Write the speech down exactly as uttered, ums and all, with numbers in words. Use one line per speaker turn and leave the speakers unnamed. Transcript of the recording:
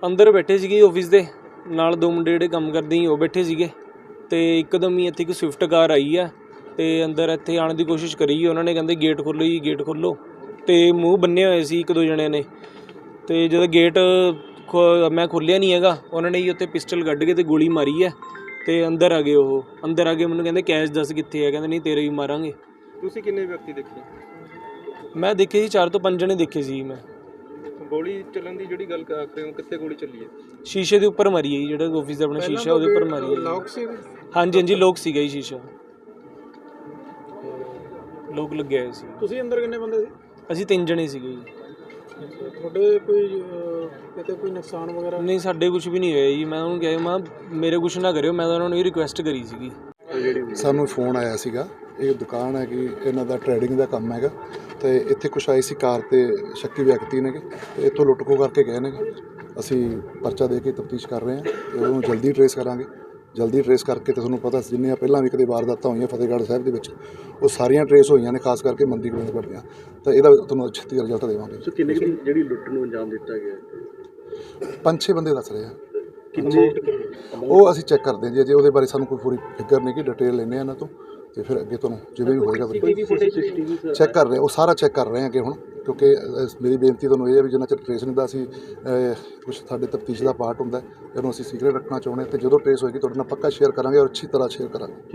ਅੰਦਰ ਬੈਠੇ ਸੀਗੇ ਆਫਿਸ ਦੇ ਨਾਲ, ਦੋ ਮੁੰਡੇ ਜਿਹੜੇ ਕੰਮ ਕਰਦੇ ਸੀ ਉਹ ਬੈਠੇ ਸੀਗੇ ਤੇ ਇੱਕਦਮ ਹੀ ਇੱਥੇ ਇੱਕ ਸਵਿਫਟ ਕਾਰ ਆਈ ਆ ਤੇ ਅੰਦਰ ਇੱਥੇ ਆਉਣ ਦੀ ਕੋਸ਼ਿਸ਼ ਕਰੀ। ਉਹਨਾਂ ਨੇ ਕਹਿੰਦੇ ਗੇਟ ਖੋਲ੍ਹੋ ਜੀ, ਗੇਟ ਖੋਲ੍ਹੋ, ਤੇ ਮੂੰਹ ਬੰਨੇ ਹੋਏ ਸੀ ਇੱਕ ਦੋ ਜਣਿਆਂ ਨੇ। ਤੇ ਜਦੋਂ ਗੇਟ ਖੋ ਮੈਂ ਖੋਲ੍ਹਿਆ ਨਹੀਂ ਹੈਗਾ, ਉਹਨਾਂ ਨੇ ਜੀ ਉੱਥੇ ਪਿਸਟਲ ਕੱਢ ਕੇ ਤੇ ਗੋਲੀ ਮਾਰੀ ਹੈ ਤੇ ਅੰਦਰ ਆ ਗਏ। ਉਹ ਅੰਦਰ ਆ ਕੇ ਮੈਨੂੰ ਕਹਿੰਦੇ ਕੈਸ਼ ਦੱਸ ਕਿੱਥੇ ਹੈ, ਕਹਿੰਦੇ ਨਹੀਂ ਤੇਰੇ ਵੀ ਮਾਰਾਂਗੇ।
ਤੁਸੀਂ ਕਿੰਨੇ ਵਿਅਕਤੀ ਦੇਖੇ?
ਮੈਂ ਦੇਖੇ ਜੀ ਚਾਰ ਤੋਂ ਪੰਜ ਜਣੇ ਦੇਖੇ ਸੀ ਮੈਂ।
ਗੋਲੀ ਚੱਲਣ ਦੀ ਜਿਹੜੀ ਗੱਲ ਕਰ ਰਹੇ ਹੋ, ਕਿੱਥੇ ਗੋਲੀ ਚੱਲੀ ਹੈ?
ਸ਼ੀਸ਼ੇ ਦੇ ਉੱਪਰ ਮਾਰੀ ਹੈ ਜੀ, ਜਿਹੜਾ ਆਫਿਸ ਦਾ ਆਪਣਾ ਸ਼ੀਸ਼ਾ ਉਹਦੇ ਉੱਪਰ ਮਾਰੀ ਹੈ।
ਲੋਕ ਸੀ?
ਹਾਂਜੀ ਹਾਂਜੀ ਲੋਕ ਸੀਗਾ ਜੀ, ਸ਼ੀਸ਼ਾ ਲੋਕ ਲੱਗਿਆ ਹੋਇਆ ਸੀ।
ਤੁਸੀਂ ਅੰਦਰ ਕਿੰਨੇ ਬੰਦੇ ਸੀ?
ਅਸੀਂ ਤਿੰਨ ਜਣੇ ਸੀਗੇ ਜੀ।
ਤੁਹਾਡੇ ਕੋਈ ਕਿਤੇ ਕੋਈ ਨੁਕਸਾਨ ਵਗੈਰਾ?
ਨਹੀਂ ਸਾਡੇ ਕੁਝ ਵੀ ਨਹੀਂ ਹੋਇਆ ਜੀ। ਮੈਂ ਉਹਨੂੰ ਕਿਹਾ ਮੈਂ ਮੇਰੇ ਕੁਛ ਨਾ ਕਰਿਓ, ਮੈਂ ਤਾਂ ਉਹਨਾਂ ਨੂੰ ਇਹ ਰਿਕੁਐਸਟ ਕਰੀ ਸੀਗੀ।
ਸਾਨੂੰ ਫੋਨ ਆਇਆ ਸੀਗਾ, ਇਹ ਦੁਕਾਨ ਹੈ ਕਿ ਇਹਨਾਂ ਦਾ ਟਰੇਡਿੰਗ ਦਾ ਕੰਮ ਹੈਗਾ ਤੇ ਇੱਥੇ ਕੁਛ ਆਏ ਸੀ ਕਾਰ ਤੇ ਸ਼ੱਕੀ ਵਿਅਕਤੀ ਨੇਗੇ ਤੇ ਇੱਥੋਂ ਲੁੱਟ ਖੋਹ ਕਰਕੇ ਗਏ ਨੇਗੇ। ਅਸੀਂ ਪਰਚਾ ਦੇ ਕੇ ਤਫਤੀਸ਼ ਕਰ ਰਹੇ ਹਾਂ ਤੇ ਉਹਨੂੰ ਜਲਦੀ ਟਰੇਸ ਕਰਾਂਗੇ। ਜਲਦੀ ਟਰੇਸ ਕਰਕੇ ਤੇ ਤੁਹਾਨੂੰ ਪਤਾ ਜਿੰਨੀਆਂ ਪਹਿਲਾਂ ਵੀ ਕਦੇ ਵਾਰਦਾਤਾਂ ਹੋਈਆਂ ਫਤਿਹਗੜ੍ਹ ਸਾਹਿਬ ਦੇ ਵਿੱਚ, ਉਹ ਸਾਰੀਆਂ ਟਰੇਸ ਹੋਈਆਂ ਨੇ, ਖਾਸ ਕਰਕੇ ਮੰਦੀ ਗੋਬਿੰਦਗੜ੍ਹ ਦੀਆਂ। ਤਾਂ ਇਹਦਾ ਤੁਹਾਨੂੰ ਛੇਤੀ ਰਿਜ਼ਲਟ ਦੇਵਾਂਗੇ।
ਸੋ ਕਿੰਨੇ ਜਿਹੜੀ ਲੁੱਟ ਨੂੰ ਅੰਜਾਮ ਦਿੱਤਾ ਗਿਆ?
ਪੰਜ ਛੇ ਬੰਦੇ ਦੱਸ ਰਹੇ ਆ।
ਕਿੰਨੇ?
ਉਹ ਅਸੀਂ ਚੈੱਕ ਕਰਦੇ ਹਾਂ ਜੀ, ਅਜੇ ਉਹਦੇ ਬਾਰੇ ਸਾਨੂੰ ਕੋਈ ਪੂਰੀ ਫਿਗਰ ਨਹੀਂ ਕਿ ਡਿਟੇਲ ਲੈਂਦੇ ਆ ਇਹਨਾਂ ਤੋਂ ਤੇ ਫਿਰ ਅੱਗੇ ਤੁਹਾਨੂੰ ਜਿਵੇਂ ਵੀ ਹੋਏਗਾ ਚੈੱਕ ਕਰ ਰਹੇ, ਉਹ ਸਾਰਾ ਚੈੱਕ ਕਰ ਰਹੇ ਹਾਂ ਅੱਗੇ ਹੁਣ, ਕਿਉਂਕਿ ਮੇਰੀ ਬੇਨਤੀ ਤੁਹਾਨੂੰ ਇਹ ਹੈ ਵੀ ਜਿੰਨਾ ਚਿਰ ਟਰੇਸ ਨਹੀਂ ਦਾ ਅਸੀਂ ਕੁਛ ਸਾਡੇ ਤਫਤੀਸ਼ ਦਾ ਪਾਰਟ ਹੁੰਦਾ, ਇਹਨੂੰ ਅਸੀਂ ਸੀਕ੍ਰੇਟ ਰੱਖਣਾ ਚਾਹੁੰਦੇ ਹਾਂ ਤੇ ਜਦੋਂ ਟਰੇਸ ਹੋਏਗੀ ਤੁਹਾਡੇ ਨਾਲ ਪੱਕਾ ਸ਼ੇਅਰ ਕਰਾਂਗੇ ਔਰ ਅੱਛੀ ਤਰ੍ਹਾਂ ਸ਼ੇਅਰ ਕਰਾਂਗੇ।